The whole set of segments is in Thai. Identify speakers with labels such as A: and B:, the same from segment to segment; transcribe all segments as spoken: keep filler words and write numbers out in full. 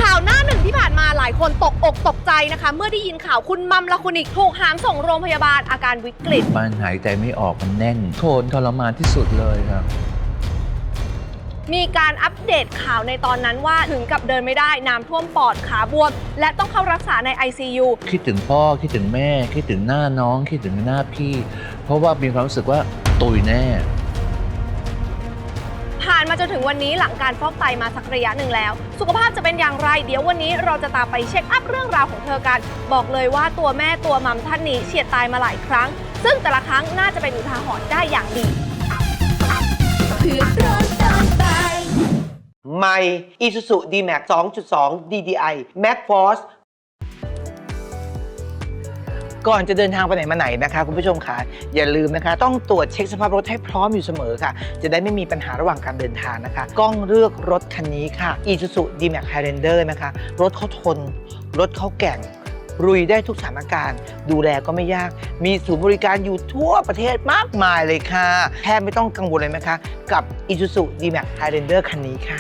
A: ข่าวหน้าหนึ่งที่ผ่านมาหลายคนตกอกตกใจนะคะเมื่อได้ยินข่าวคุณมัมละคุณอีกถูกหามส่งโรงพยาบาลอาการวิกฤต
B: มันหายใจไม่ออกมันแน่นโทนทรมานที่สุดเลยครับ
A: มีการอัปเดตข่าวในตอนนั้นว่าถึงกับเดินไม่ได้น้ำท่วมปอดขาบวมและต้องเข้ารักษาใน ไอ ซี ยู
B: คิดถึงพ่อคิดถึงแม่คิดถึงหน้าน้องคิดถึงหน้าพี่เพราะว่ามีความรู้สึกว่าตุยแน่
A: ผ่านมาจนถึงวันนี้หลังการฟอกไตมาสักระยะหนึ่งแล้วสุขภาพจะเป็นอย่างไรเดี๋ยววันนี้เราจะตามไปเช็คอัพเรื่องราวของเธอกันบอกเลยว่าตัวแม่ตัวมัมท่านนี้เฉียดตายมาหลายครั้งซึ่งแต่ละครั้งน่าจะเป็นอุทาหรณ์ได้อย่างดี
C: ใหม่ Isuzu ดี แม็กซ์ สองจุดสอง ดี ดี ไอ Max Force ก่อนจะเดินทางไปไหนมาไหนนะคะคุณผู้ชมค่ะอย่าลืมนะคะต้องตรวจเช็คสภาพรถให้พร้อมอยู่เสมอค่ะจะได้ไม่มีปัญหาระหว่างการเดินทางนะคะกล้องเลือกรถคันนี้ค่ะ Isuzu ดี แม็กซ์ Highlander นะคะรถเขาทนรถเขาแกร่งลุยได้ทุกสถานการณ์ดูแลก็ไม่ยากมีศูนย์บริการอยู่ทั่วประเทศมากมายเลยค่ะแทบไม่ต้องกังวลเลยนะคะกับ Isuzu ดี แม็กซ์ Highlander คันนี้ค่ะ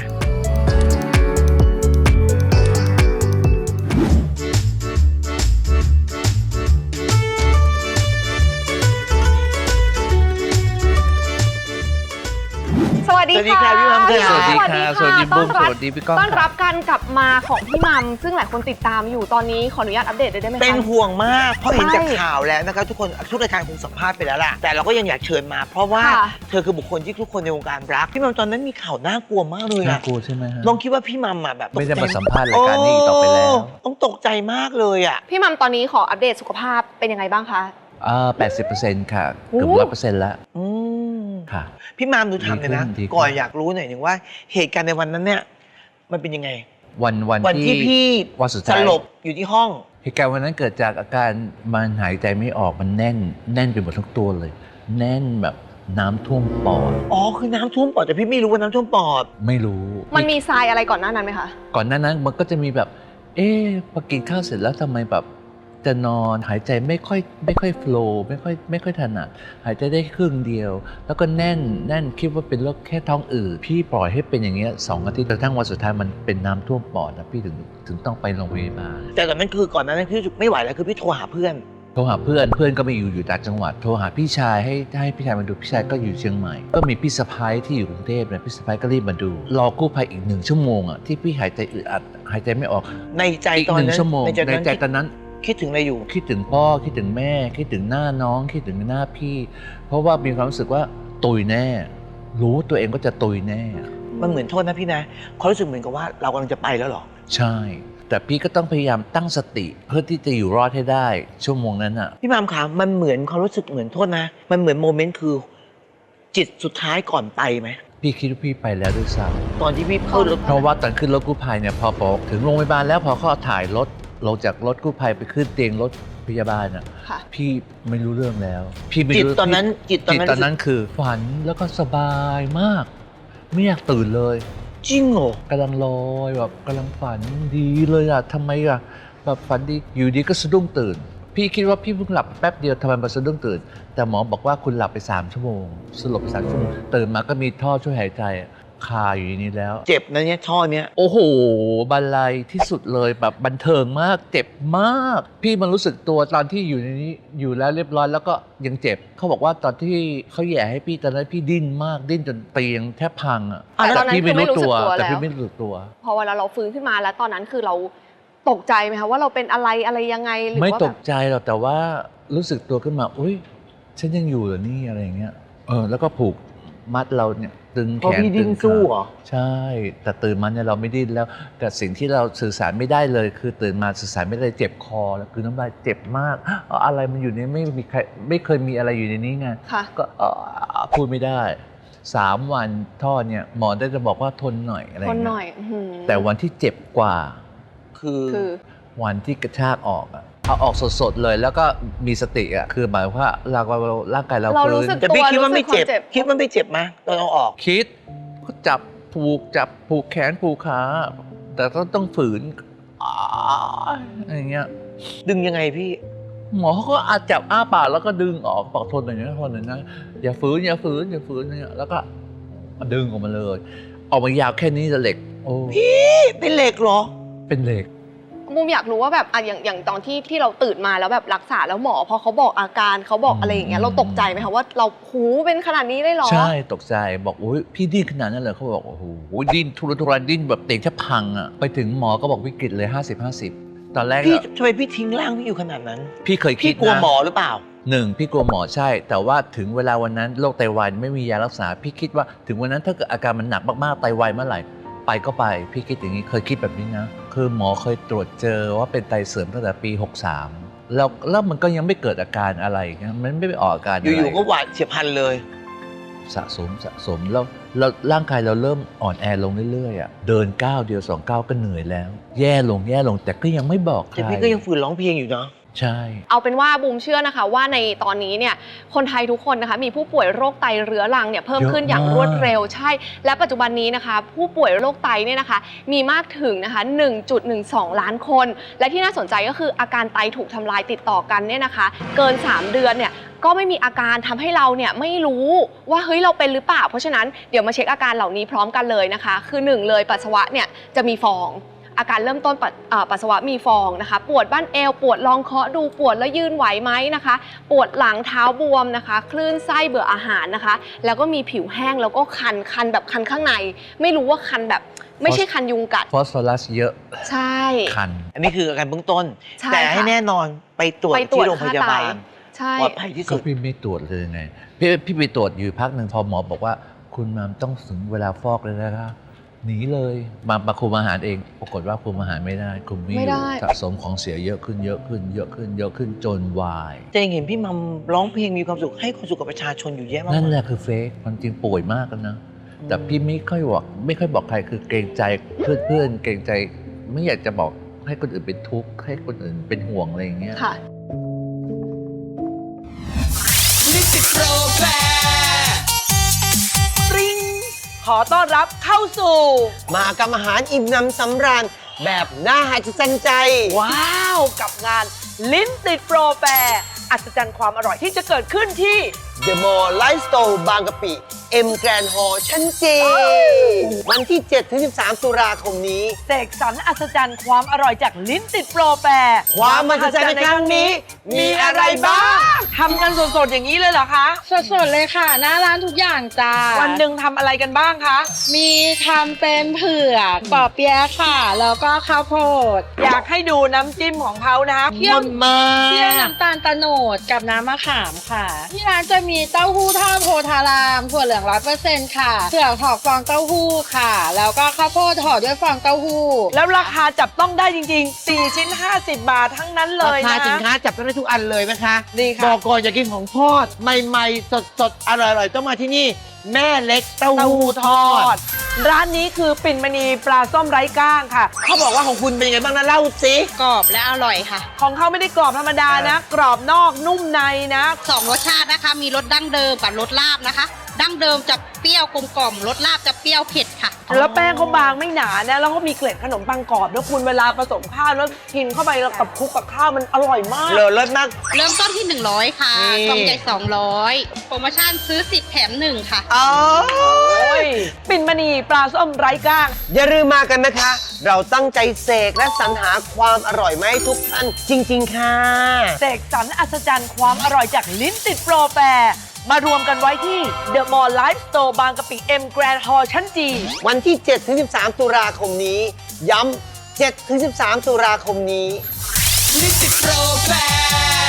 A: สวัสดีค่ะ
C: พี่มัมค่ะ
B: สวัสดีค่ะสวัสดีบุ้มสวัสดีพี่ก้อง
A: ต้อนรับการกลับมาของพี่มัมซึ่งหลายคนติดตามอยู่ตอนนี้ขออนุญาตอัปเดตได้ไหมคะ
C: เป็นห่วงมากเพราะเห็นจากข่าวแล้วนะคะทุกคนทุกรายการคงสัมภาษณ์ไปแล้วล่ะแต่เราก็ยังอยากเชิญมาเพราะว่าเธอคือบุคคลที่ทุกคนในวงการรักพี่มัมตอนนั้นมีข่าวน่ากลัวมากเลย
B: น่ากลัวใช่ไหมฮะ
C: น้องคิดว่าพี่มัมแบบ
B: ไม่ได้มาสัมภาษณ์รายการนี้ต่อไปแล้ว
C: ต้องตกใจมากเลยอ่ะ
A: พี่มัมตอนนี้ขออัปเดตสุขภาพเป็นยังไงบ้างคะ
B: อ่าแปดสิบเปอร์เซ็นต์ค่ะเกือบร้อยเปอร์เซ็นต์แล้ว
C: อืม
B: ค่ะ
C: พี่มัมดูทำเลยนะก่อนอยากรู้หน่อยหนึ่งว่าเหตุการณ์ในวันนั้นเนี่ยมันเป็นยังไง
B: วันวัน
C: วันที่พี่
B: วันสุดท้าย
C: สลบอยู่ที่ห้อง
B: เหตุการณ์วันนั้นเกิดจากอาการมันหายใจไม่ออกมันแน่นแน่นไปหมดทั้งตัวเลยแน่นแบบน้ำท่วมปอด
C: อ๋อคือน้ำท่วมปอดแต่พี่ไม่รู้ว่าน้ำท่วมปอด
B: ไม่รู้
A: มันมีทรายอะไรก่อนหน้านั้นไหมคะ
B: ก่อนหน้านั้นมันก็จะมีแบบเอ๊ะพอกินข้าวเสร็จแล้วทำไมแบบจะนอนหายใจไม่ค่อยไม่ค่อยโฟลว์ไม่ค่อยไม่ค่อยถนัดหายใจได้ครึ่งเดียวแล้วก็แน่นแน่นคิดว่าเป็นโรคแค่ท้องอืดพี่ปล่อยให้เป็นอย่างเงี้ยสองอาทิตย์จนทั้งวันสุดท้ายมันเป็นน้ำท่วมปอดนะพี่ถึงถึงต้องไปโรงพยาบาล
C: แต่ตอนนั้นคือก่อนนั้นพี่ไม่ไหวแล้วคือพี่โทรหาเพื่อน
B: โทรหาเพื่อนเพื่อนก็ไม่อยู่อยู่ต่างจังหวัดโทรหาพี่ชายให้ให้พี่ชายมาดูพี่ชายก็อยู่เชียงใหม่ก็มีพี่สะพ้ายที่อยู่กรุงเทพเนี่ยพี่สะพ้ายก็รีบมาดูรอกู้ภัยอีกหนึ่งชั่วโมงอ่ะที่พี่หายใจอึดอัดหายใจไม่ออก
C: ในใจตอนนั้น
B: ในใจตอนนั้น
C: คิดถึงอะไรอยู่
B: คิดถึงพ่อคิดถึงแม่คิดถึงหน้าน้องคิดถึงหน้าพี่เพราะว่ามีความรู้สึกว่าตุยแน่รู้ตัวเองก็จะตุยแน่
C: มันเหมือนโทษนะพี่นะเขารู้สึกเหมือนกับว่าเรากำลังจะไปแล้วหรอ
B: ใช่แต่พี่ก็ต้องพยายามตั้งสติเพื่อที่จะอยู่รอดให้ได้ชั่วโมงนั้นอ่ะ
C: พี่มามขามันเหมือนความรู้สึกเหมือนโทษนะมันเหมือนโมเมนต์คือจิตสุดท้ายก่อนไปไหม
B: พี่คิดว่าพี่ไปแล้วด้วยซ้
C: ำตอนที่พี่ขึ้นรถ
B: เพราะว่าตอนขึ้นรถกู้ภัยเนี่ยพอบอกถึงโรงพยาบาลแล้วพอเขาถ่ายรถลงจากรถกู้ภัยไปขึ้นเตียงรถพยาบาลอ่ะพี่ไม่รู้เรื่องแล้วพี่ไม่รู้
C: จิตตอนนั้นจิตตอนนั้น
B: ตอนนั้นคือฝันแล้วก็สบายมากไม่อยากตื่นเลย
C: จริงเหรอก
B: ำลังลอยแบบกำลังฝันดีเลยอ่ะทำไมอ่ะแบบฝันดีอยู่ดีก็สะดุ้งตื่นพี่คิดว่าพี่เพิ่งหลับแป๊บเดียวทำไมมาสะดุ้งตื่นแต่หมอบอกว่าคุณหลับไปสามชั่วโมงสลบไปสามชั่วโมงตื่นมาก็มีท่อช่วยหายใจคาอยู่นี้แล้ว
C: เจ็บนะเนี่ยท่อเนี้ย
B: โอ้โหบรรลัยที่สุดเลยแบบบันเทิงมากเจ็บมากพี่มันรู้สึกตัวตอนที่อยู่ในนี้อยู่แล้วเรียบร้อยแล้วก็ยังเจ็บเขาบอกว่าตอนที่เขาแย่ให้พี่ตอนนั้นพี่ดิ้นมากดิ้นจนเตียงแทบพังอ่ะ
A: แต่พี่ไม่รู้ตัว
B: แต่พี่ไม่รู้ตัว
A: พอเวลาเราฟื้นขึ้นมาแล้วตอนนั้นคือเราตกใจไหมคะว่าเราเป็นอะไรอะไรยังไงหรือว่า
B: ไม่ตกใจหรอกแต่ว่ารู้สึกตัวขึ้นมาอุ้ยฉันยังอยู่เหรอนี่อะไรอย่างเงี้ยเออแล้วก็ผูกมัดเราเนี่ยตึงแขน
C: ตึงสู้เหรอ
B: ใช่แต่ตื่นมาเนี่ยเราไม่ดิ้นแล้วแต่สิ่งที่เราสื่อสารไม่ได้เลยคือตื่นมาสื่อสารไม่ได้เจ็บคอแล้วคือน้ำลายเจ็บมากอะไรมันอยู่ในไม่มีใครไม่เคยมีอะไรอยู่ในนี้ไงก็พูดไม่ได้สามวันท่อเนี่ยหมอได้จะบอกว่าทนหน่อยอะไรทนหน่อยแต่วันที่เจ็บกว่า
C: คือ
B: วันที่กระชากออกอะเอาออกสดๆเลยแล้วก็มีสติอ่ะคือหมายว่าเราร่างกายเรา
A: ฟื้น
C: แต่พี่คิดว่าไม่เจ็บคิดว่าไม่เจ็บไหมตอนเอาออก
B: คิดก็จับผูกจับผูกแขนผูกขาแต่ก็ต้องฝืนอะไรเงี้ย
C: ดึงยังไงพี่
B: หมอเขาก็อาจจับอ้าปากแล้วก็ดึงออกปากทนอย่างนี้ทนอย่างนี้อย่าฝืนอย่าฝืนอย่าฝืนเนี่ยแล้วก็ดึงออกมาเลยออกมายาวแค่นี้จะเหล็กโอ้
C: พี่เป็นเหล็กเหรอ
B: เเป็นเหล็ก
A: มุมอยากรู้ว่าแบบอ่ะอย่างอย่างตอนที่ที่เราตื่นมาแล้วแบบรักษาแล้วหมอพอเขาบอกอาการเขาบอกอะไรอย่างเงี้ยเราตกใจไหมคะว่าเราหูเป็นขนาดนี้ได้หรอ
B: ใช่ตกใจบอกอุ้ยพี่ดิ้นขนาดนั้นเลยเขาบอกโอ้โหดิ้นทุรนทุรายดิ้นแบบเตียงแทบพังอ่ะไปถึงหมอก็บอกวิกฤตเลย ห้าสิบ ห้าสิบ ตอนแรก
C: พี่
B: อะ
C: ทำไมพี่ทิ้งร่างพี่อยู่ขนาดนั้น
B: พี่เคยคิ
C: พี่
B: ด
C: กลัว
B: นะ
C: หมอหรือเปล่า
B: หนึ่งพี่กลัวหมอใช่ แต่ว่าถึงเวลาวันนั้นโรคไตวายไม่มียารักษา พี่คิดว่าถึงวันนั้นถ้าเกิดอาการมันหนักมากๆไตวายเมื่อไหร่ไปก็ไปพี่คิดอย่างนี้เคยคิดแบบนี้นะคือหมอเคยตรวจเจอว่าเป็นไตเสื่อมตั้งแต่ปีหกสามแล้วแล้วมันก็ยังไม่เกิดอาการอะไรนะมันไม่ไปออกอาการอะไร
C: อยู่ๆก็หวาดเฉียบพลันเลย
B: สะสมสะสมแล้วแล้วร่างกายเราเริ่มอ่อนแอลงเรื่อยๆอ่ะเดินก้าวเดียวสองก้าวก็เหนื่อยแล้ว แย่ลงแย่ลงแต่ก็ยังไม่บอกใคร
C: แต่พี่ก็ยังฝืนร้องเพลงอยู่เนาะ
B: ใช่
A: เอาเป็นว่าบูมเชื่อนะคะว่าในตอนนี้เนี่ยคนไทยทุกคนนะคะมีผู้ป่วยโรคไตเรื้อรังเนี่ยเพิ่มขึ้นอย่างรวดเร็วใช่และปัจจุบันนี้นะคะผู้ป่วยโรคไตเนี่ยนะคะมีมากถึงนะคะ หนึ่งจุดหนึ่งสอง ล้านคน และที่น่าสนใจก็คืออาการไตถูกทำลายติดต่อกันเนี่ยนะคะเกินสามเดือนเนี่ยก็ไม่มีอาการทำให้เราเนี่ยไม่รู้ว่าเฮ้ยเราเป็นหรือเปล่าเพราะฉะนั้นเดี๋ยวมาเช็คอาการเหล่านี้พร้อมกันเลยนะคะคือหนึ่งเลยปัสสาวะเนี่ยจะมีฟองอาการเริ่มต้นปัสอ่าปัสสาวะมีฟองนะคะปวดบ้านเอวปวดลองเคาะดูปวดแล้วยืนไหวไหมนะคะปวดหลังเท้าบวมนะคะคลื่นไส้เบื่ออาหารนะคะแล้วก็มีผิวแห้งแล้วก็คันคันแบบคันข้างในไม่รู้ว่าคันแบบไม่ใช่คันยุงกัด
B: ฟอสฟอรัสเยอะ
A: ใช่
B: คัน
C: อันนี้คืออาการเบื้องต้น
A: ใช่
C: แต่ให้
A: ค่ะ
C: แน่นอนไปตรวจ
A: ไปตรว
C: ที่
A: จ
C: โรงพยาบาล
A: ค่าไต ใช่
C: ปลอดภัยที่
B: ก็
C: สุด
B: พี่ไม่ตรวจเลยไงพี่พี่ไปตรวจอยู่พักหนึ่งพอหมอบอกว่าคุณมามต้องถึงเวลาฟอกเลยนะคะหนีเลยมามาคุมอาหารเองปรากฏว่าคุมอาหารไม่ได้คุมไม่อ
A: ไม่
B: ยู่
A: ได้
B: สะสมของเสียเยอะขึ้นเยอะขึ้นเยอะขึ้นเยอะขึ้นจนวาย
C: จะยังเห็นพี่มัมร้องเพลงมีความสุขให้ความสุขกับประชาชนอยู่เยอะมาก
B: นั่นแหละคือเฟกมันจริงป่วยมากกันนะแต่พี่ไม่ค่อยบอกไม่ค่อยบอกใครคือเกรงใจเพื่อนเพื่อนเกรงใจไม่อยากจะบอกให้คนอื่นเป็นทุกข์ให้คนอื่นเป็นห่วงอะไรอย่างเงี้ย
A: ค่ะ
D: ลิปติดโปรแฟร์
C: ปริ้งขอต้อนรับเข้าสู่มหากรรมอาหารอิ่มหนำสำราญแบบน่าหัศจรรย์ใจ
E: ว้าว กับงานลิ้นติดโปรแฟร์อัศจรรย์ความอร่อยที่จะเกิดขึ้นที่
C: The Mall Lifestyle บางกะปิ M Grand Hall ชั้นจีวันที่ เจ็ดถึงสิบสาม ตุลาคมนี้
E: เสกสรรอัศจรรย์ความอร่อยจากลิ้นติดโปรแฟร์
C: ความมหัศจรรย์ในครั้งนี้มีอะไรบ้าง
E: ทำกันสดๆอย่างนี้เลยเหรอคะ
F: สดๆเลยค่ะ หน้าร้านทุกอย่างจ้า
E: วันหนึ่งทำอะไรกันบ้างคะ
F: มีทำเป็นเผือกปอเปี๊ยะค่ะ แล้วก็ข้าวโพด
E: อยากให้ดูน้ำจิ้มของเขานะคะ
F: เคี่ยว
C: มา
F: เคี่ยวน้ำตาลตะโนดกับน้ำมะขามค่ะ ที่ร้านจะมีเต้าหู้ทอดโพธารามถั่วเหลืองร้อยเปอร์เซ็นต์ค่ะเผือกห่อฟองเต้าหู้ค่ะ แล้วก็ข้าวโพดห่อด้วยฟองเต้าหู้
E: แล้วราคาจับต้องได้จริงๆ สี่ ชิ้น ห้าสิบ บาททั้งนั้นเล
C: ราย คา
E: นะ
C: สินค้าจับต้องได้ทุกอันเลยนะคะ
E: ดี
C: บ
E: ค่ะ
C: อกก่อนอยากกินของทอด ใหม่ๆ สดๆ อร่อยๆ ต้องมาที่นี่ แม่เล็กเต้า
E: เต้า
C: หู้
E: หู้
C: ท
E: ท
C: อ
E: อ
C: ด
E: ด ร้านนี้คือปิ่นมณีปลาส้มไร้ก้างค่ะ
C: เขาบอกว่าของคุณเป็นยังไงบ้างนะเล่าสิ
F: กรอบและอร่อยค่ะ
E: ของเขาไม่ได้กรอบธรรมดานะ กรอบนอกนุ่มในนะ
G: สองรสชาตินะคะ มีรสดั้งเดิมกับรสลาบนะคะ ดั้งเดิมจะเปรี้ยวกลมกล่อมรสลาบจะเปรี้ยวเผ็ดค่ะ
E: แล้วแป้งเขาบางไม่หนานะแล้วก็มีเกล็ดขนมปังกรอบแล้วคุณเวลาผสมข้าวแล้วกินเข้าไปแล้วกับคลุกกับข้าวมันอร่อยมาก
C: เลอเลิศมาก
G: เริ่มต้นที่ หนึ่งร้อย ค่ะ
C: นี่
G: กล่องใหญ่สองร้อยโปรโมชั่นซื้อสิบแถมหนึ่งค่ะ
C: อ๋อ
E: โอ้ยปิ่นมณีปลาส้มไร้ก้าง
C: อย่าลืมมากันนะคะ เราตั้งใจเสกและสรรหาความอร่อยมาให้ทุกท่านจริง ๆ ค่ะ
E: เสกสรรอัศจรรย์ความอร่อยจากลิ้นติดโปรแฟร์มารวมกันไว้ที่ The Mall Life Store บางกะปิ M Grand Hall ชั้นจี
C: วันที่ เจ็ดถึงสิบสาม ตุลาคมนี้ ย้ำ เจ็ดถึงสิบสาม ตุลาคมนี้
D: ลิปติดโปรแฟร์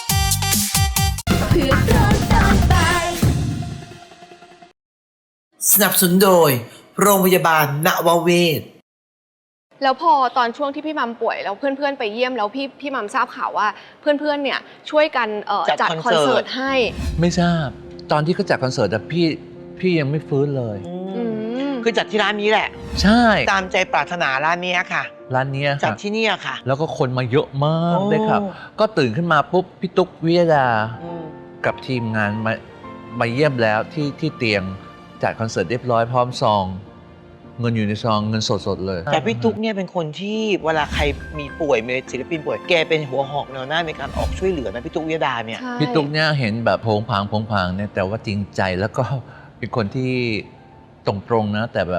C: สนับสนุนโดย โรงพยาบาลนวเวศ
A: แล้วพอตอนช่วงที่พี่มัมป่วยแล้วเพื่อนๆไปเยี่ยมแล้วพี่พี่มัมทราบข่าวว่าเพื่อนๆเนี่ยช่วยกันเอ่อ
C: จัด
A: จัด
C: ค
A: ค
C: อ
A: อน น
C: เสิ
A: เสิ
C: ร์
A: ร์
C: ต
A: ตให้
B: ไม่ทราบตอนที่เขาจัดคอนเสิร์ตอะพี่พี่ยังไม่ฟื้นเลย
A: อืม
C: คือจัดที่ร้านนี้แหละ
B: ใช่
C: ตามใจปรารถนาร้านนี้ค่ะ
B: ร้านเนี้ย
C: จัด
B: ค่ะ
C: ที่นี่ค่ะ
B: แล้วก็คนมาเยอะมาก
C: โอ้
B: เลยครับ ก็ตื่นขึ้นมาปุ๊บพี่ตุ๊กวิยดากับทีมงานมามาเยี่ยมแล้วที่ที่เตียงจัดคอนเสิร์ตเรียบร้อยพร้อมซอง เงินอยู่ในซองเงินสดๆเลย
C: แต่พี่ตุ๊กเนี่ยเป็นคนที่เวลาใครมีป่วยมีศิลปินป่วยแกเป็นหัวหอกแนวหน้าในการออกช่วยเหลือนะพี่ตุ๊กวิยดาเนี่ย
A: ใช่
B: พี่ตุ๊กเนี่ยเห็นแบบโผงผางโผงผางเนี่ยแต่ว่าจริงใจแล้วก็เป็นคนที่ตรงๆนะ แต่แบบ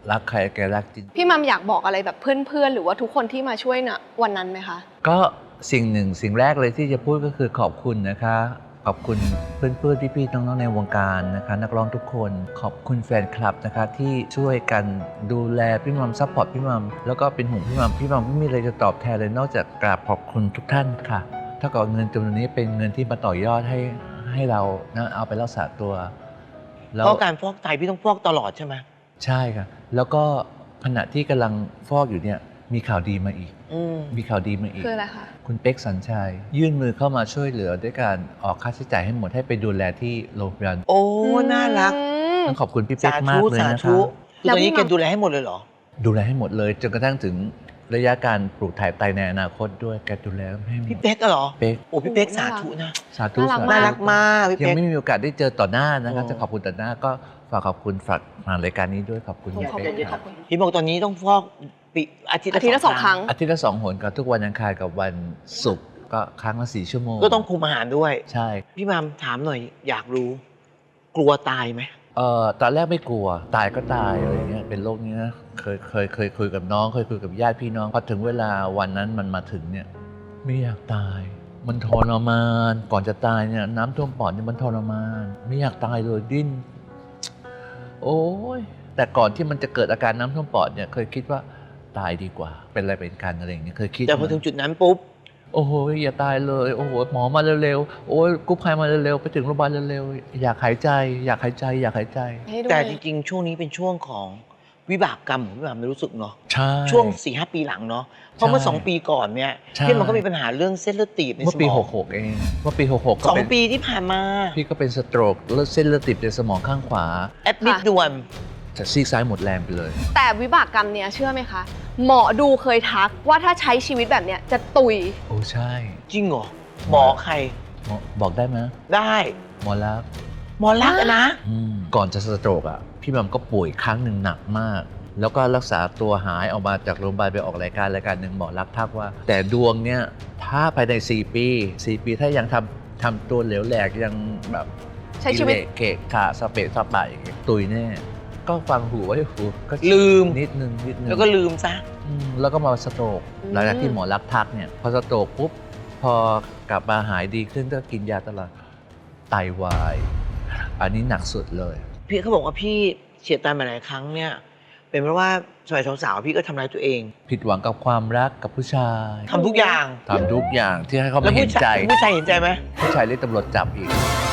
B: รักใครแกรักจริง
A: พี่มัมอยากบอกอะไรแบบเพื่อนๆหรือว่าทุกคนที่มาช่วยนะวันนั้นไหมคะ
B: ก็สิ่งหนึ่งสิ่งแรกเลยที่จะพูดก็คือขอบคุณนะคะขอบคุณเพื่อนๆพี่ๆน้องๆในวงการนะคะนักร้องทุกคนขอบคุณแฟนคลับนะคะที่ช่วยกันดูแลพี่มัมซัพพอร์ตพี่มัมแล้วก็เป็นห่วงพี่มัมพี่มัมไม่มีอะไรจะตอบแทนเลยนอกจากกราบขอบคุณทุกท่านค่ะเท่ากับเงินจำนวนนี้เป็นเงินที่มาต่อยอดให้ให้เรานะเอาไปรักษาตัวแล้ว
C: เพราะการฟอกไตพี่ต้องฟอกตลอดใช่ไหม
B: ใช่ค่ะแล้วก็ขณะที่กำลังฟอกอยู่เนี่ยมีข่าวดีมาอีก
C: อืม
B: มีข่าวดีมาอีก
A: คืออะไรคะ
B: คุณเป๊กสัญชัย ยื่นมือเข้ามาช่วยเหลือด้วยการออกค่าใช้จ่ายให้หมดให้ไปดูแลที่โรงพยาบาล
C: โอ้ น่ารัก
A: อืม
B: ต้องขอบคุณพี่เป๊ก
C: สาม
B: าก
C: ธุ
B: เลย
C: สา
B: นะ
C: ธุ
B: คะ
C: คือตอนนี้
A: แล้วพี่
C: แกดูแลให้หมดเลยเหรอ
B: ดูแลให้หมดเลยจนกระทั่งถึงระยะการปลูกถ่ายไตในอนาคตด้วยแกดูแลให้หม
C: พี่
B: ด
C: เป๊กอะเหรอ
B: เป๊ก
C: โอ้พี่เป๊ก
A: โอ้
C: สา
A: น่ารัก
C: ธุนะ
B: สาธุ
A: น่ารัก
B: สาธุ
C: น่ารักมากพี่
B: ยัง
C: เป๊ก
B: ไม่มีโอกาสได้เจอต่อหน้านะคะ
C: โอ้
B: จะขอบคุณต่อหน้าก็ฝากขอบคุณฝากผ่านรายการนี้ด้วยขอบคุณ
A: ขอบ
B: พี่
A: คุณ
B: เป๊ก
A: ข
B: ค
A: อ
B: รั
A: บบ คุณ
C: พี่บอกตอนนี้ต้องฟอกปีอาทิตย์
A: อาทิตย์ละสองครั้ง
B: อาทิตย์ละสองหนกับทุกวันอังคารกับวันศุกร์ก็ครั้งละสี่ชั่วโมง
C: ก็ต้องคุมอาหารด้วย
B: ใช่
C: พี่มามถามหน่อยอยากรู้ กลัวตายไหม
B: เอ่อตอนแรกไม่กลัวตายก็ตายอะไรเงี้ยเป็นโรคนี้นะเคยเคยเคยคุยกับน้องเคยคุยกับญาติพี่น้องพอถึงเวลาวันนั้นมันมาถึงเนี่ยไม่อยากตาย มันทรมานก่อนจะตายเนี่ยน้ำท่วมปอดเนี่ยมันทรมานไม่อยากตายเลยดิ้นโอ้ยแต่ก่อนที่มันจะเกิดอาการน้ำท่วมปอดเนี่ยเคยคิดว่าตายดีกว่า เป็นอะไรเป็นกันอะไรอย่างเงี้ยเคยคิด
C: แต่พอถึงจุดนั้นปุ๊บ
B: โอ้โหอย่าตายเลยโอ้โหหมอมาเร็วๆโอ้ยกู้ภัยมาเร็วๆไปถึงโรงพยาบาลเร็วๆอยากหายใจ อยากหายใจ อยากหายใจ
A: ให้ด้วย
C: แต่จริงๆ ช่วงนี้เป็นช่วงของวิบากกรรมของพี่มามรู้สึกเนาะ
B: ใช่
C: ช่วงสี่ห้าปีหลังเนาะเพราะเมื่อสองปีก่อนเนี่ย
B: ใช่
C: พี่มันก็มีปัญหาเรื่องเส้นเลือดตีบในส
B: เมื่อ
C: ม
B: ปี
C: อง
B: หกหกเองเมื่อปีหกหกก็
C: สอง
B: เป็น
C: ปีที่ผ่านมา
B: พี่ก็เป็นสโตรกเลือดเส้นเลือดติดในสมองข้างขวา
C: แอดมิดด่วน
B: แต่ซีกซ้ายหมดแรงไปเลย
A: แต่วิบากกรรมเนี่ยเชื่อไหมคะ หมอดูเคยทักว่าถ้าใช้ชีวิตแบบเนี้ยจะตุย
B: โอ้ใช่
C: จริงเหรอหมอใคร
B: หมอบอกได้ไหม
C: ได้
B: หมอรัก
C: หมอรักษณ์อะนะ
B: อืมก่อนจะสโตรกอ่ะพี่มัมก็ป่วยครั้งหนึ่งหนักมาก แล้วก็รักษาตัวหายออกมาจากโรงพยาบาลไปออกรายการรายการหนึ่งหมอรักทักว่า แต่ดวงเนี่ยถ้าภายในสี่ปีสี่ปีถ้ายังทำทำตัวเหลวแหลกยังแบบ
A: ใช้ชีวิต
B: กิเลสเกะขะสเปะสปะอย่างเงี้ยตุยแน่ก็ฟังหูไว้หูก็
C: ลืม
B: นิดนึงนิดนึง
C: แล้วก็ลืมซะ
B: อืมแล้วก็มาสโตรก
A: อืม
B: หลังจากที่หมอรักทักเนี่ยพอสโตรกปุ๊บพอกลับมาหายดีขึ้นก็กินยาตลอดไตวาย อันนี้หนักสุดเลย
C: พี่เขาบอกว่าพี่เฉียดตายมาหลายครั้งเนี่ย เป็นเพราะว่าสมัยสาวๆพี่ก็ทำร้ายตัวเอง
B: ผิดหวังกับความรักกับผู้ชาย
C: ทำทุกอย่าง
B: ทำทุกอย่างที่ให้เขา
C: แล้ว
B: ไม่เห็
C: ผู้
B: น
C: ชา
B: ใจ
C: ยผู้ชายเห็นใจไหม
B: ผู้ชายเรียกตำรวจจับอีก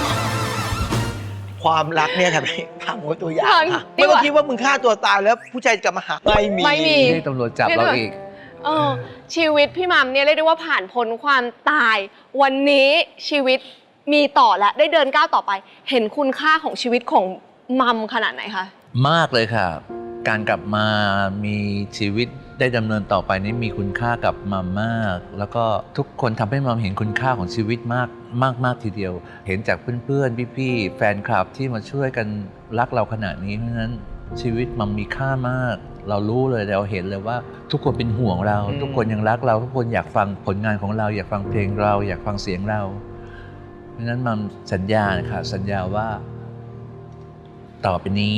C: ความรักเนี่ยทำให้พังหมดตัวอย่าง
A: พัง
C: ค่ะ
A: ดี
C: ไม่
A: กว่า
C: ต้องคิดว่ามึงฆ่าตัวตายแล้วผู้ชายจะกลับมาหาไม่มี
A: ไม่มี
B: เรียกตำรวจจับเราอีก
A: เออชีวิตพี่มัมเนี่ยเรียกได้ว่าผ่านพ้นความตาย วันนี้ชีวิตมีต่อและได้เดินก้าวต่อไป เห็นคุณค่าของชีวิตของมัมขนาดไหนคะ
B: มากเลยค่ะ การกลับมามีชีวิตได้ดำเนินต่อไปนี้มีคุณค่ากับมัมมาก แล้วก็ทุกคนทำให้มัมเห็นคุณค่าของชีวิตมากมากมากทีเดียว เห็นจากเพื่อนๆพี่ๆแฟนคลับที่มาช่วยกันรักเราขนาดนี้เพราะฉะนั้นชีวิตมัมมีค่ามาก เรารู้เลยเราเห็นเลยว่า ทุกคนเป็นห่วงเรา
C: อืม
B: ทุกคนยังรักเรา ทุกคนอยากฟังผลงานของเรา อยากฟังเพลงเรา อยากฟังเสียงเรา เพราะฉะนั้นมัมสัญญานะคะสัญญาว่า ต่อไปนี้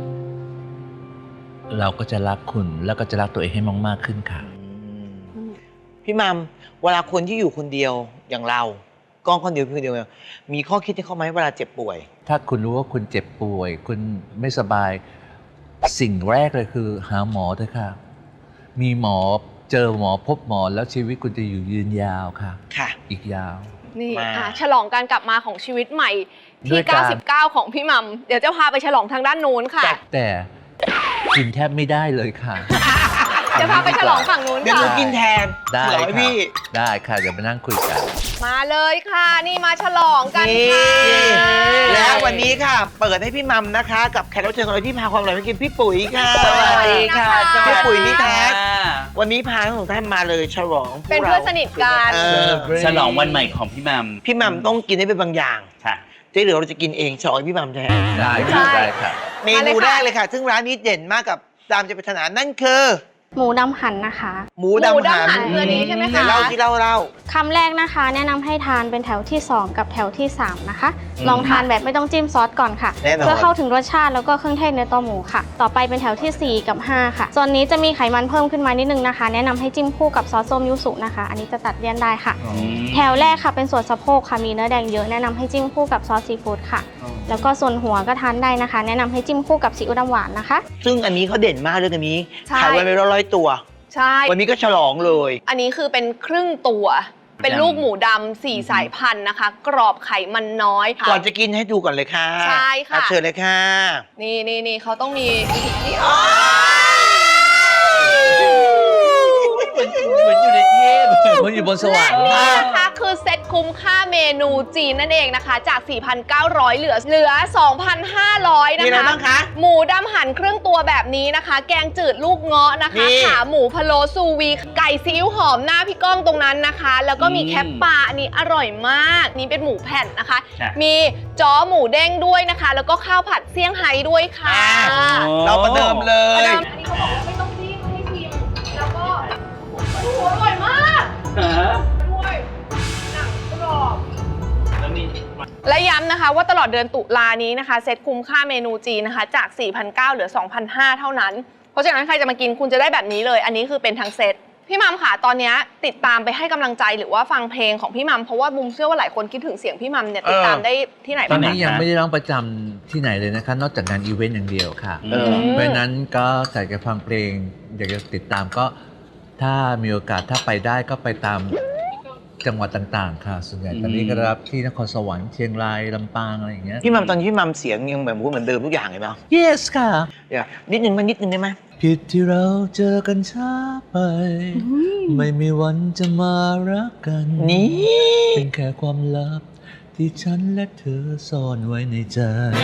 B: เราก็จะรักคุณแล้วก็จะรักตัวเองให้มากๆขึ้นค่ะ
C: พี่มัมเวลาคนที่อยู่คนเดียวอย่างเรากล้องคนเดียวพี่คนเดียวมีข้อคิดให้เขาไหมเวลาเจ็บป่วย
B: ถ้าคุณรู้ว่าคุณเจ็บป่วย คุณไม่สบาย สิ่งแรกเลยคือหาหมอเถอะค่ะ มีหมอเจอหมอพบหมอแล้วชีวิตคุณจะอยู่ยืนยาวค่ะ
C: ค่ะ
B: อีกยาว
A: นี่
C: มา
A: อ่ะฉลองการกลับมาของชีวิตใหม่
B: ด้
A: ที่
B: วยการ
A: เก้าสิบเก้า ของพี่มัม เดี๋ยวจะพาไปฉลองทางด้านนู้นค่ะ
B: แต่กินแทบไม่ได้เลยค่ะ
A: เดี๋ยวพาไปฉลองฝั่งนู้น
C: เดี๋ยวหนู
A: ค่ะ
C: กินแทน
B: ได้
C: เหรอ
B: ค่ะ
C: พี่
B: ได้ค่ะเดี๋ยวมานั่งคุยกัน
A: มาเลยค่ะ นี่มาฉลองกัน
C: นี่
A: ค่ะ
C: แล้ววันนี้ค่ะ เปิดให้พี่มัมนะคะ กับแขกรับเชิญของเราที่พาความอร่อยมากินพี่ปุ๋ยค่ะ
A: สวัสดีค่ะ
C: พี่ปุ๋ยนี่แท้วันนี้พาทั้งสองท่านมาเลยฉลองพวก
A: เป็นเพื่อนสนิทกัน
C: เออ
H: ฉลองวันใหม่ของพี่มัม
C: พี่มัมต้องกินให้เป็นบางอย่าง
H: ค่ะ
C: ที่เหลือเราจะกินเองฉลองให้พี่มัมแทน
B: ได้
A: ใช่
B: ค่ะได้ค่ะ
C: เมนูแรกเลยค่ะ ซึ่งร้านนี้เด่นมากกับตามใจปรารถนานั่นคือ
I: หมูดำหั่นนะคะ
C: หมูดำหั่น
A: คืออันนี้ใช่ไหม
C: ไหน
A: คะ
C: เล่าที่เล่าเล่า
I: คำแรกนะคะ แนะนำให้ทานเป็นแถวที่ สอง กับแถวที่ สาม นะคะ ลองทานแบบไม่ต้องจิ้มซอสก่อนค่ะ
C: แน่นอน
I: เพื่อเข้าถึงรสชาติแล้วก็เครื่องเทศในตัวหมูค่ะ ต่อไปเป็นแถวที่ สี่ กับ ห้า ค่ะส่วนนี้จะมีไขมันเพิ่มขึ้นมานิดนึงนะคะ แนะนำให้จิ้มคู่กับซอสส้มยูสุนะคะ อันนี้จะตัดเลี่ยนได้ค่ะ แถวแรกค่ะเป็นส่วนสะโพกค่ะมีเนื้อแดงเยอะแนะนำให้จิ้มคู่กับซอสซีฟู้ดค่ะ แล้วก็ส่วนหัวก็ทานได้นะคะ แนะนำให้จิ้มคู่กับซีอิ๊วดำหวานนะคะ
C: ซึ่งอันนี้เขาเด่นมากเรื่องอันนี้
A: ใช่
C: ขายไว้เป็นร้อยๆตัว
A: ใช่
C: วันนี้ก็ฉลองเลย
A: อันนี้คือเป็นครึ่งตัว เป็นลูกหมูดำสี่สายพันธุ์นะคะ กรอบไขมันน้อยค่ะ
C: ก่อนจะกินให้ดูก่อนเลยค่ะ
A: ใช่ค่ะ
C: อ่เชิญเลยค่ะ
A: นี่นี่นี่เขาต้องมีวิธีที่
H: เหมือนอยู่ในเทพ
B: มันอยู่บนสวรรค์
A: นี่นะคะคือเซ็ตคุ้มค่าเมนูจีนนั่นเองนะคะ จาก สี่พันเก้าร้อย เหลือเหลือ สองพันห้าร้อย นะ
C: มีอะไร
A: คะ
C: บ้างคะ
A: หมูดำหั่นครึ่งตัวแบบนี้นะคะ แกงจืดลูกเงาะนะคะ
C: นี่
A: ขาหมูพะโล้ซูวี ไก่ซีอิ๊วหอมหน้าพี่ก้องตรงนั้นนะคะ แล้วก็มี
H: อืม
A: แคปปลาอันนี้อร่อยมาก นี่เป็นหมูแผ่นนะคะ
H: ค่ะ
A: มีจ้อหมูเด้งด้วยนะคะ แล้วก็ข้าวผัดเซี่ยงไฮ้ด้วยค่ะ
C: เราประเดิมเล
A: ประ
C: ย
A: เดิมอันนี้เขาบอกว่าไม่ต้องรีบให้ชิมแล้วก็โอ้โหอร่อยมาก ด้วยหนังกรอบ
H: แล้วมี
A: และย้ำนะคะว่าตลอดเดือนตุลานี้นะคะเซ็ตคุ้มค่าเมนูจีนนะคะ จาก สี่พันเก้าร้อย เหลือ สองพันห้าร้อย เท่านั้น เพราะฉะนั้นใครจะมากินคุณจะได้แบบนี้เลย อันนี้คือเป็นทั้งเซ็ตพี่มัมค่ะตอนนี้ติดตามไปให้กำลังใจหรือว่าฟังเพลงของพี่มัมเพราะว่าบุมเชื่อว่าหลายคนคิดถึงเสียงพี่มัมเนี่ยติดตามได้ที่ไหน
B: ตอน
A: บ้าง
B: นี้
A: คะ
B: ยังไม่ได้ร้องประจำที่ไหนเลยนะคะ นอกจากงานอีเวนต์อย่างเดียวค่ะ
H: เออ
B: เพราะฉะนั้นก็อยากจะฟังเพลง อยากจะติดตามก็ถ้ามีโอกาสถ้าไปได้ก็ไปตามจังหวัดต่างๆ ค่ะ ส่วนใหญ่ตอนนี้ก็รับที่นครสวรรค์เชียงรายลำปางอะไรอย่างเงี้ย
C: พี่มัมตอนนี้พี่มัมเสียงยังเหมือนพูดเหมือนเดิมทุกอย่างเลยเปล่า
B: yes ค่ะ
C: เดี๋ยวนิดนึงมานิดนึงได้ไหม
B: ผิดที่เราเจอกันช้าไป ไม่มีวันจะมารักกัน
C: นี่
B: เป็นแค่ความลับที่ฉันและเธอซ่อนไว้ในใจ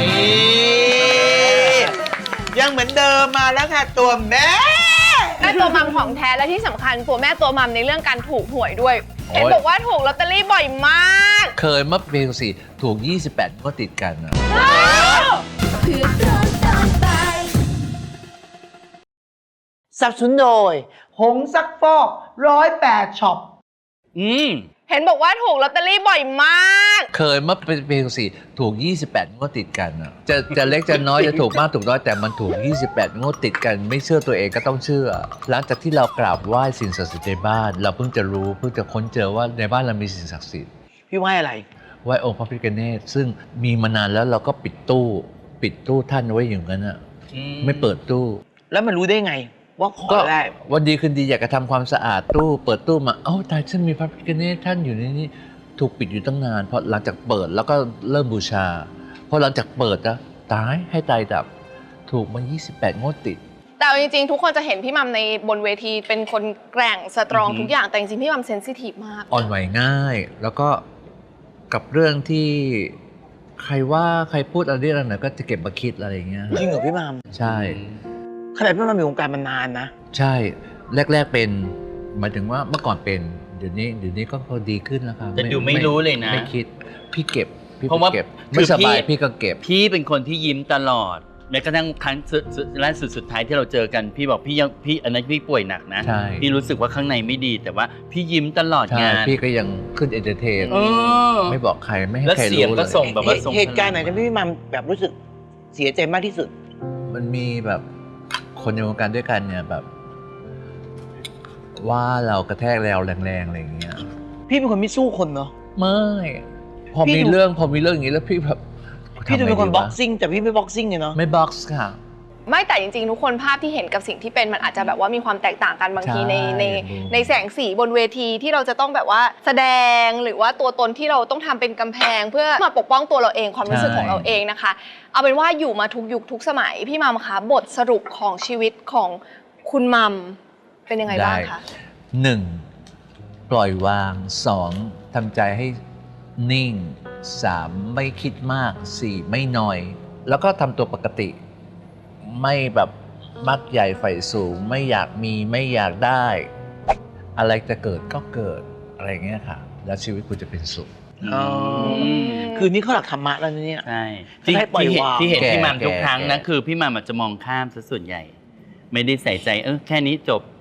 C: ยังเหมือนเดิมมาแล้วค่ะตัวแม่
A: แม่ตัวมัมของแท้และที่สำคัญตัวแม่ตัวมัมในเรื่องการถูกหวยด้วย
B: โอ้ย
A: เห็นบอกว่าถูกลอตเตอรี่บ่อยมาก
B: เคยเมื่อปีสี่ถูก ยี่สิบแปดก็ติดกันนะ
C: สนับสนุนโดย หงซักฟอกร้อยแปดช็อป
H: อืม
A: เห็นบอกว่าถูกลอตเตอรี่บ่อยมาก
B: เคยเมื่อปีสี่ถูก ยี่สิบแปดงวดติดกันนะจะจะเล็กจะน้อยจะถูกมากถูกน้อยแต่มันถูก ยี่สิบแปดงวดติดกัน ไม่เชื่อตัวเองก็ต้องเชื่อ หลังจากที่เรากราบไหว้สิ่งศักดิ์สิทธิ์ในบ้าน เราเพิ่งจะรู้เพิ่งจะค้นเจอว่าในบ้านเรามีสิ่งศักดิ์สิทธิ์
C: พี่ว่าอะไร
B: ไหว้องค์พระพิฆเนศซึ่งมีมานานแล้วเราก็ปิดตู้ ปิดตู้ท่านไว้อย่างนั้นอ่ะ
H: อืม
B: ไม่เปิดตู้
C: แล้วมันรู้ได้ไง ว่าขอ
B: ก็
C: ได้
B: วันดีคืนดีอยากจะทำความสะอาดตู้ เปิดตู้มาเอ้าตายฉันมีพระพิฆเนศท่านอยู่ในนี้ถูกปิดอยู่ตั้งนานพอหลังจากเปิดแล้วก็เริ่มบูชาพอหลังจากเปิดนะตายให้ตายดับ ถูกมา ยี่สิบแปดงวดติด
A: แต่เอาจริงๆ ทุกคนจะเห็นพี่มัมในบนเวทีเป็นคนแกร่งสตรอง
H: อือหือ
A: ทุกอย่างแต่จริงๆ พี่มัมเซนซิทีฟมาก
B: อ่อนไหวง่าย แล้วก็กับเรื่องที่ใครว่าใครพูดอะไรเรื่องไหนก็จะเก็บมาคิดอะไรอย่างเงี้ย
C: จริงเหรอพี่มัม
B: ใช่
C: ขนาดพี่มัมอยู่วงการมานานนะ
B: ใช่ แรก ๆเป็นหมายถึงว่าเมื่อก่อนเป็นเดี๋ยวนี้เดี๋ยวนี้ก็พอดีขึ้นแล้วครับ
H: แต่ดูไม่รู้เลยนะ
B: ไม่คิดพี่เก็บพี่
H: เพราะว่า
B: เก็บ
H: คือ
B: ไม่สบาย
H: พี่
B: พี่ก็เก็บ
H: พี่เป็นคนที่ยิ้มตลอดแม้กระทั่งครั้งสุดสุดล่าสุดสุดท้ายที่เราเจอกันพี่บอกพี่ยังพี่อันนั้นพี่ป่วยหนักนะ
B: ใช่
H: พี่รู้สึกว่าข้างในไม่ดีแต่ว่าพี่ยิ้มตลอด
B: ใช่
H: งาน
B: พี่ก็ยังขึ้นเอนเตอร์เทน
H: เออ
B: ไม่บอกใครไม่ให้
H: แล้ว
B: ใคร
H: เสียง
B: รู้
H: ก็
B: เลย
H: ส่งแบบว่าส่ง
C: เหตุการณ์ไหนที่พี่มัมแบบรู้สึกเสียใจมากที่สุด
B: มันมีแบบคนในวงการด้วยกันเนี่ยแบบ ว่าเรากระแทกแรงแรงๆอะไรอย่างเงี้ย
C: พี่เป็นคนไม่สู้คนเนาะ
B: ไม่พอ
C: พี่
B: มี
C: ดู
B: เรื่องพอมีเรื่องอย่างนี้แล้วพี่แบบ
C: พี่ดูเป็นคน
B: ทำไงดีวะ
C: บ็อกซิ่งแต่พี่ไม่บ็อกซิ่งเลยเนาะ
B: ไม่บ็อกซ์ค่ะ
A: ไม่แต่จริงๆ ทุกคนภาพที่เห็นกับสิ่งที่เป็นมันอาจจะแบบว่ามีความแตกต่างกันบางที
B: ใช่
A: ในใน
B: อืม
A: ในแสงสีบนเวทีที่เราจะต้องแบบว่าแสดงหรือว่าตัวตนที่เราต้องทำเป็นกำแพง เพื่อมาปกป้องตัวเราเองความรู้สึกของเราเองนะคะ เอาเป็นว่าอยู่มาทุกยุคทุกสมัยพี่มัมคะบทสรุปของชีวิตของคุณมัมเป็นยังไงบ้างคะ
B: หนึ่งปล่อยวางสองทำใจให้นิ่งสามไม่คิดมากสี่ไม่นอย แล้วก็ทำตัวปกติ ไม่แบบมักใหญ่ไฟสูง ไม่อยากมีไม่อยากได้ อะไรจะเกิดก็เกิดอะไรอย่างเงี้ยค่ะ แล้วชีวิตคุณจะเป็นสุข
C: อ๋อ คืนนี้เขาหลักธรรมะแล้วนะเนี่ย
H: ใช่ที่
C: ให้ปล่อย
H: ที่เห็น
C: วาง
H: ที่เห็น
B: แก่
H: พี่มัมทุก
B: แก่
H: ครั้งนะ
B: แก่
H: คือพี่มัมอาจจะมองข้ามซะส่วนใหญ่ ไม่ได้ใส่ใจเออแค่นี้จบ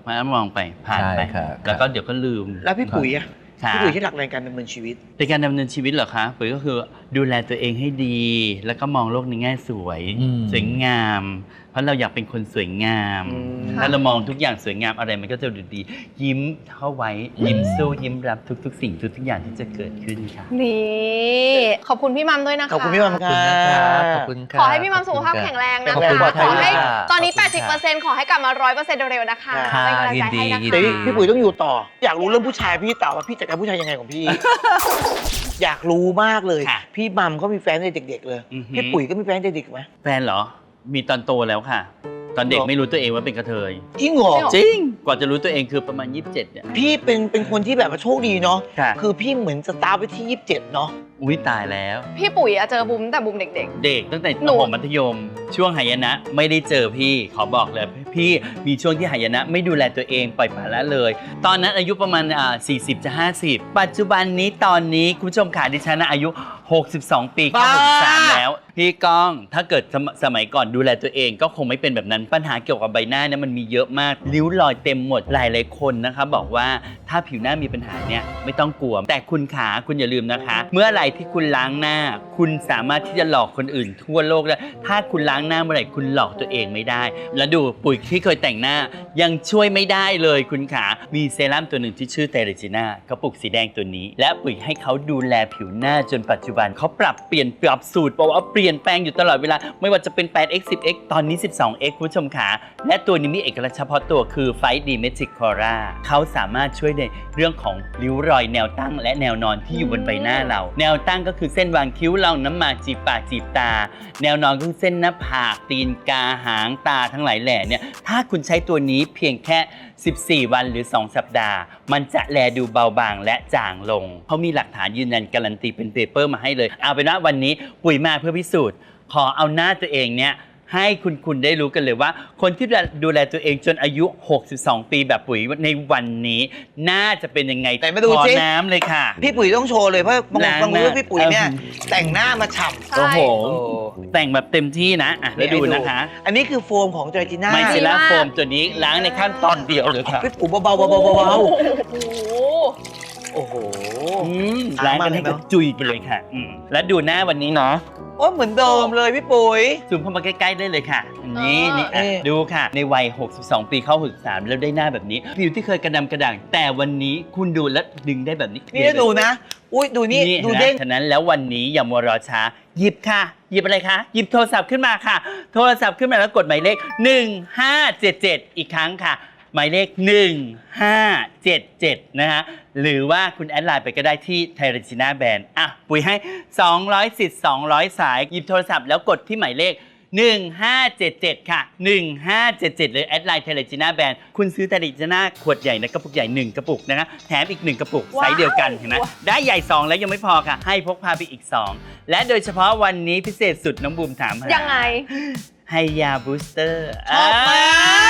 H: มองไปผ่านไป
B: ใช่ครับ
H: แล้วก็เดี๋ยวก็ลืม
C: แล้วพี่ปุ๋ยอะ
H: ค่ะ
C: พี่ปุ๋ยที่หลักในการดำเนินชีวิต
H: ในการดำเนินชีวิตเหรอคะปุ๋ยก็คือดูแลตัวเองให้ดี แล้วก็มองโลกในแง่สวย
B: อืม
H: สวยงาม เพราะเราอยากเป็นคนสวยงาม
C: อืม
H: ถ้าเรามองทุกอย่างสวยงามอะไรมันก็จะดูดี ยิ้มเข้าไว้ยิ้มสู้ยิ้มรับทุกๆ สิ่งทุกๆอย่างที่จะเกิดขึ้นค่ะ
A: นี่ขอบคุณพี่มัมด้วยนะคะ
C: ขอบคุณพี่มัม
B: ขอบคุณนะครับขอบคุณครับ
A: ขอให้พี่มัมสุขภาพแข็งแรงนะ
B: ขอบ
A: คะ
B: คุณ
A: ขอให้
B: ค่ะ
A: ตอนนี้
B: ขอบคุณค่ะ
A: แปดสิบเปอร์เซ็นต์ ขอให้กลับมา ร้อยเปอร์เซ็นต์ เร็วๆนะคะ
C: ค่ะ
A: เป็นกำลังใจให้นะ
B: ยิน
A: คะ
B: ดี
C: แต่พี่ปุ๋ยต้องอยู่ต่อ อยากรู้เรื่องผู้ชายพี่ต่อว่าพี่จัดการผู้ชายยังไงของพี่ อยากรู้มากเลย
H: ค่ะ
C: พี่มัมเขามีแฟนตั้งแต่เด็กๆเลย
H: อือหือ
C: พี่ปุ๋ยก็มีแฟนตั้งแต่เด็กไหม
H: แฟนเหรอ มีตอนโตแล้วค่ะ ตอนเด็ก
C: เหรอ
H: ไม่รู้ตัวเองว่าเป็นกระเทย
C: จริงเหรอ
H: จริง กว่าจะรู้ตัวเองคือประมาณยี่สิบเจ็ดเนี่ย
C: พี่เป็นเป็นคนที่แบบว่าโชคดีเนาะ
H: ค่ะ
C: คือพี่เหมือนสตาร์ทไปที่ยี่สิบเจ็ดเนาะ
H: อุ้ยตายแล้ว
A: พี่ปุ๋ยอะเจอบุมแต่บุมเด็ก
H: เด็กตั้งแต่
A: หนู
H: ประถมมัธยม ช่วงหายนะไม่ได้เจอพี่ขอบอกเลย พี่มีช่วงที่หายนะไม่ดูแลตัวเองปล่อยปละละเลย ตอนนั้นอายุประมาณอ่าสี่สิบจะห้าสิบปัจจุบันนี้ตอนนี้คุณผู้ชมค่ะดิฉันนะอายุหกสิบสองปีเข้าหกสิบสามแล้ว พี่ก้องถ้าเกิดสมสมัยก่อนดูแลตัวเองก็คงไม่เป็นแบบนั้นปัญหาเกี่ยวกับใบหน้าเนี่ยมันมีเยอะมากริ้วรอยเต็มหมดหลายหลายๆคนนะคะบอกว่าถ้าผิวหน้ามีปัญหาเนี่ยไม่ต้องกลัวแต่คุณขาคุณอย่าลืมนะคะ เมื่อไหร่ที่คุณล้างหน้า คุณสามารถที่จะหลอกคนอื่นทั่วโลกได้ถ้าคุณล้างหน้าเมื่อไหร่คุณหลอกตัวเองไม่ได้ แล้วดูปุ๋ยที่เคยแต่งหน้ายังช่วยไม่ได้เลยคุณขามีเซรั่มตัวหนึ่งที่ชื่อเทเรจิน่ากระปุกสีแดงตัวนี้ และปุ๋ยให้เขาดูแลผิวหน้าจนปัจจุบันเขาปรับเปลี่ยนปรับสูตรบอกว่าเปลี่ยนแปลงอยู่ตลอดเวลาไม่ว่าจะเป็น แปดเอ็กซ์ สิบเอ็กซ์ ตอนนี้ สิบสองเอ็กซ์ คุณผู้ชมขาและตัวนี้มีเอกลักษณ์เฉพาะตัวคือไฟดีเมจิกคอร่าเขาสามารถช่วยในเรื่องของริ้วรอยแนวตั้งและแนวนอนที่อยู่บนใบหน้าเรา แนวตั้งก็คือเส้นวางคิ้วรองน้ำหมากจีบปากจีบตา แนวนอนก็คือเส้นหน้าผากตีนกาหางตาทั้งหลายแหล่เนี่ยถ้าคุณใช้ตัวนี้เพียงแค่สิบสี่วันหรือสองสัปดาห์มันจะแลดูเบาบางและจางลงเขามีหลักฐานยืนยันการันตีเป็นเปเปอร์มาให้เลยเอาเป็นว่าวันนี้ปุ๋ยมาเพื่อพิสูจน์ขอเอาหน้าตัวเองเนี่ยให้คุณคุณได้รู้กันเลยว่าคนที่ดูแลตัวเองจนอายุหกสิบสองปีแบบปุ๋ยในวันนี้น่าจะเป็นยังไง
C: ไหนมาดู
H: ขอ
C: สิ
H: น้ำเลยค่ะ
C: พี่ปุ๋ยต้องโชว์เลยเพราะบาง
H: ล้าง
C: บาง
H: หน้า
C: รู้ว่าพี่ปุ๋ยเนี่ยแต่งหน้ามาฉ่ำ
A: ใช่
H: โอ้โห
C: โอ้
H: แต่งแบบเต็มที่นะอ่ะแล้วดูนะคะ
C: อันนี้คือโฟมของเจอร์จิน่า
H: ไมซิล่าโฟมตัวนี้ล้างในขั้นตอนเดียวเลยค่ะ
C: พี่ปุ๋ยเบาๆเบาๆเบาๆเบา
A: โอ้โห
C: ๆโอ้โห
H: อืมล้างกันให้กระจุยไปเลยค่ะอืมแล้วดูหน้าวันนี้เนาะ
C: โอ้เหมือนเดิมเลยพี่ปุ๋ย
H: ซูมเข้ามาใกล้ๆได้เลยค่ะอันนี้
A: เออ
H: นี่อ่ะ
C: เอ๊ะ
H: ดูค่ะ ในวัย หกสิบสอง ปีเข้าหกสิบสามแล้วได้หน้าแบบนี้ ผิวที่เคยกระดำกระด่าง แต่วันนี้คุณดูแล้วดึงได้แบบนี้
C: นี่ดูนะ อุ้ยดูนี่ดู
H: นะ
C: เด้ง
H: ฉะนั้นแล้ววันนี้อย่ามัวรอช้า หยิบค่ะ หยิบอะไรคะ หยิบโทรศัพท์ขึ้นมาค่ะ โทรศัพท์ขึ้นมาแล้วกดหมายเลข หนึ่งห้าเจ็ดเจ็ด อีกครั้งค่ะ หมายเลข หนึ่งห้าเจ็ดเจ็ด นะฮะ หรือว่าคุณแอดไลน์ไปก็ได้ที่ไทเรจิน่าแบรนด์อ่ะ ปุ๋ยให้ สองร้อยสิทธิ์สองร้อยสาย หยิบโทรศัพท์แล้วกดที่หมายเลข หนึ่งห้าเจ็ดเจ็ด ค่ะ หนึ่งห้าเจ็ดเจ็ด เลยแอดไลน์ไทเรจิน่าแบรนด์คุณซื้อไทเรจิน่าขวดใหญ่นะกระปุกใหญ่หนึ่งกระปุกนะคะแถมอีกหนึ่งกระปุกไซส์เดียวกันเห็นไหมได้ใหญ่สองแล้วยังไม่พอค่ะ ให้พกพาไปอีกสองและโดยเฉพาะวันนี้พิเศษสุดน้องบูมถามหา
A: ยังไง
H: ไฮยาบูสเตอร์
C: ชอบมาก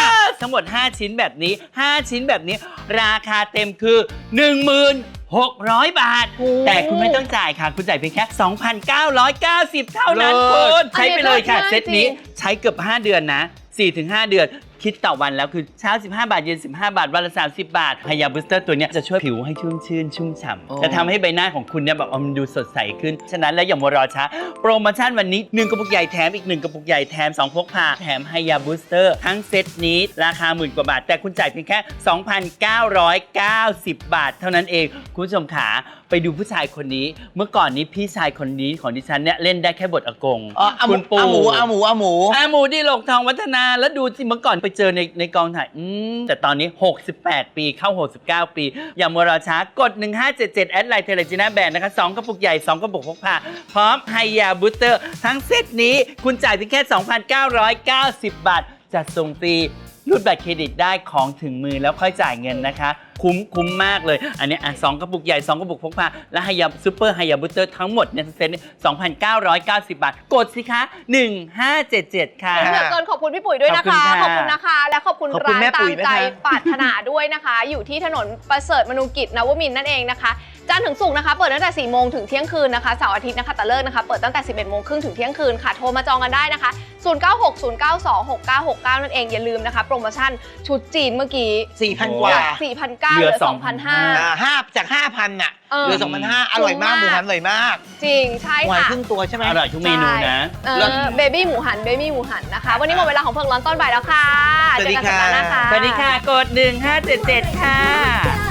H: ทั้งหมด ห้า ชิ้นแบบนี้ ห้า ชิ้นแบบนี้ ราคาเต็มคือ หนึ่งหมื่นหกร้อย บาท แต่คุณไม่ต้องจ่ายค่ะ คุณจ่ายเพียงแค่ สองพันเก้าร้อยเก้าสิบ เท่านั้น
C: เลิ
H: คุ
C: ศ
H: ณใช้ไปเลยค่ะ
A: อันนี้
H: เซตนี้
A: เลิศมากจริง
H: ใช้เกือบ ห้า เดือนนะ สี่ถึงห้า เดือน คิดต่อวันแล้วคือเช้าสิบห้าบาทเย็นสิบห้าบาทวันละสามสิบบาทไฮยาบูสเตอร์ตัวเนี้ยจะช่วยผิวให้ชุ่มชื่นชุ่มฉ่
C: อ๋อ
H: ำจะทำให้ใบหน้าของคุณเนี่ยแบบมันดูสดใสขึ้นฉะนั้นแล้วอย่ามัวรอช้าโปรโมชั่นวันนี้หนึ่งกระปุกใหญ่แถมอีกหนึ่งกระปุกใหญ่แถมสองพกพาแถมไฮยาบูสเตอร์ทั้งเซตนี้ราคาหมื่นกว่าบาทแต่คุณจ่ายเพียงแค่ สองพันเก้าร้อยเก้าสิบ บาทเท่านั้นเองคุณผู้ชมขาไปดูผู้ชายคนนี้เมื่อก่อนนี้พี่ชายคนนี้ของดิฉันเนี่ยเล่นได้แค่บทอากง
C: อ๋ออาหมู
H: คุณปู่
C: อาหมูอาหมูอาหมู
H: อาหมูดีโลกทองวัฒนาแล้วดูสิเมื่อก่อนไปเจอในในกองถ่ายอืมแต่ตอนนี้ หกสิบแปด ปีเข้า หกสิบเก้า ปี อย่ามัวรอช้ากด หนึ่งห้าเจ็ดเจ็ด แอดไลน์เทเลจิน่าแบรนด์นะคะสองกระปุกใหญ่ สองกระปุกพกพาพร้อมไฮยาบูสเตอร์ทั้งเซตนี้คุณจ่ายเพียงแค่ สองพันเก้าร้อยเก้าสิบ บาทจัดส่งฟรีรูดบัตรเครดิตได้ของถึงมือแล้วค่อยจ่ายเงินนะคะคุ้มคุ้มมากเลยอันนี้อ่ะสองกระปุกใหญ่สองกระปุกพกพาและไฮยาซูเปอร์ไฮยาบูสเตอร์ทั้งหมดเนี่ยเซ็ตนี้ สองพันเก้าร้อยเก้าสิบ บาทกดสิคะหนึ่งห้าเจ็ดเจ็ด ค่ะ
A: เหลือเกินขอบคุณพี่ปุ๋ยด้วยนะคะ
H: ขอบคุณค่ะ
A: ขอบคุณนะคะ และขอบคุณ
C: ขอบคุณ
A: ร้าน
C: แม่
A: ตา
C: ปุ๋
A: ม
C: ยด้วย
A: ใจ
C: นะ
A: ปรารถนาด้วยนะคะ อยู่ที่ถนนประเสริฐมนูกิจนวมินทร์นั่นเองนะคะจันทร์ถึงศุกร์นะคะเปิดตั้งแต่สี่โมงถึงเที่ยงคืนนะคะเสาร์อาทิตย์นะคะแต่เลิกนะคะเปิดตั้งแต่สิบเอ็ดโมงครึ่งถึงเที่ยงคืนค่ะโทรมาจองกันได้นะคะศูนย์ เก้า หก ศูนย์ เก้า สอง หก เก้า หก เก้านั่นเองอย่าลืมนะคะโปรโมชั่นชุดจีนเมื่อกี้
C: สี่พัน กว่า
A: สี่พันเก้าเหลือ สองพันห้าร้อย
C: อ่าห้าจาก ห้าพัน น่ะ
A: เออ
C: เหลือ สองพันห้าร้อย อร่อยมาก หมูหันอร่อยมาก
A: จริงใช่
C: หมูหัน
A: ค่ะ
C: ครึ่งตัวใช่ไหม
H: อร่อยทุกเมนูนะ
A: เออเบบี้หมูหันเบบี้หมูหันนะคะ วันนี้หมดเวลาของเพิงร้อนต้นบ่ายแล้วค่ะ
C: สวัสดี
A: เจอกันสัปดาห์หน้า
C: ค่ะ
A: ค่ะ
H: สวัสดีค่ะ กดหนึ่งห้าเจ็ดเจ็ดค่ะ